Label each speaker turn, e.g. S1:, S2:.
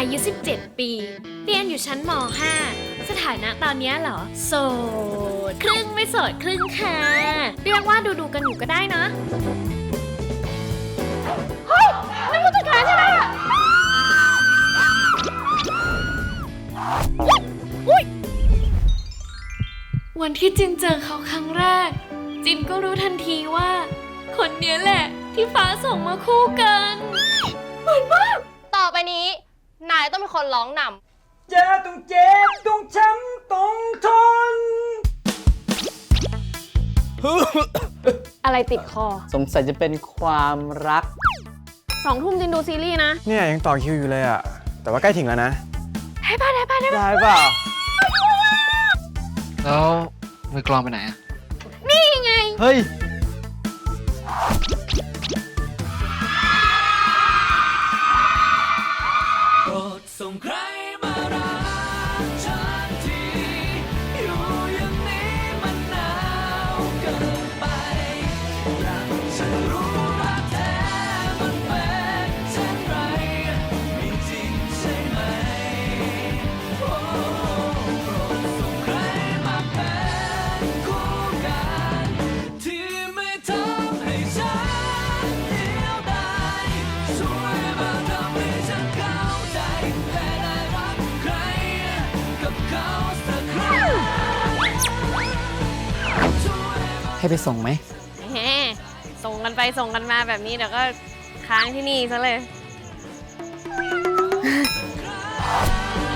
S1: อายุ17 ปี เรียนอยู่ชั้นม.5 สถานะตอนนี้เหรอ โสด ครึ่งไม่โสดครึ่งค่ะ เรียกว่าดูกันอยู่ก็ได้นะ เฮ้ยนั่นผู้จัดการใช่ไหมอะอุ๊ยวันที่จินเจอเขาครั้งแรก จินก็รู้ทันทีว่า คนเนี้ยแหละที่ฟ้าส่งมาคู่กันเหมือนมาก
S2: ต่อไปนี้ นายต้องเป็นคนร้องนำ
S3: เจอต้องเจ็บต้องช้ำต้องทน
S2: อะไรติดคอ
S4: สงสัยจะเป็นความรัก
S2: 2 ทุ่มจินดูซีรีส์นะ
S3: เนี่ยยังต่อคิวอยู่เลยอะแต่ว่าใกล้ถึงแล้วนะ
S4: ได้เปล่า
S5: แล้วมือกลองไปไหนอะ
S1: นี่ไง
S4: เฮ้ย
S3: ส่งใครมารักฉันทีอยู่อย่างนี้มันหนาวเกินไปรักฉันรู้รักแท้มันเป็นเช่นไรมีจริงใช่ไหมโอ้โปรดส่งใครมาเป็นคู่กันที่ไม่ทำให้ฉันเดียวดายช่วยมาทำให้ฉันเข้าใจและได้รักใครกับเขาสักครั้งช่วยมา
S4: ให้ไปส่งไหม
S2: แหมส่งกันไปส่งกันมาแบบนี้เดี๋ยวก็ค้างที่นี่ซะเลย